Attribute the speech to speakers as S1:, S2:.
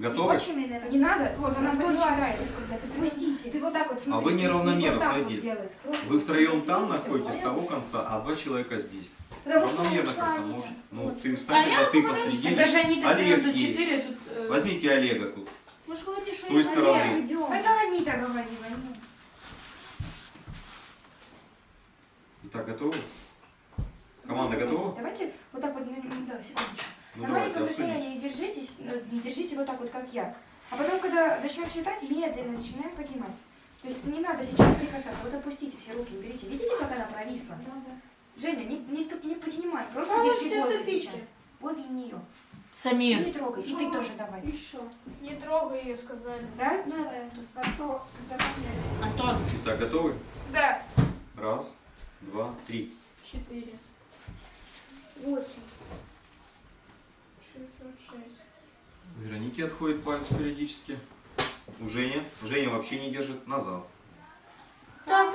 S1: Готовы?
S2: Очень медленно.
S3: Не надо, вот она подсчитает.
S2: Пустите.
S3: Ты вот так вот смотри.
S1: А вы неравномерно,
S3: вот так вот
S1: смотрите.
S3: делай. Просто
S1: Вы втроем
S3: посередине
S1: там
S3: всё,
S1: находитесь, с
S3: понятно?
S1: того конца, а два человека здесь.
S3: Потому что
S1: Равномерно
S3: ушла
S1: как-то
S3: Анита.
S1: может. Ну,
S3: Вот.
S1: ты встань, тогда ты посредине.
S4: Это же они-то
S1: Олег
S4: тут
S1: есть.
S4: 4, тут...
S1: Возьмите Олега тут.
S4: Вы же говорите,
S1: С
S4: что
S1: той
S4: я
S1: стороны.
S4: Олег, идем.
S3: Это Анита говорила. ну.
S1: Итак, готовы? Команда готова?
S3: Давайте вот так вот, да, секундочку.
S1: Ну
S3: На
S1: давайте,
S3: маленьком
S1: обсудите.
S3: расстоянии держитесь, держите вот так вот, как я. А потом, когда начнет считать, медленно начинаем поднимать. То есть не надо сейчас прикасаться. Вот опустите все руки, уберите. Видите, как она провисла? Женя, тут не поднимай, просто
S2: А вы
S3: держи
S2: все
S3: возле
S2: тупите.
S3: сейчас. Возле нее.
S4: Самир.
S3: Не трогай. И ты тоже давай.
S2: Еще. Не трогай ее, сказали.
S3: Да? Ну давай тут.
S2: Готов.
S4: Антон.
S1: Итак, готовы?
S2: Да.
S1: Раз, два, три.
S2: 4. 8. 606.
S1: У Вероники отходит палец периодически. У Жени. Женя вообще не держит. Назад.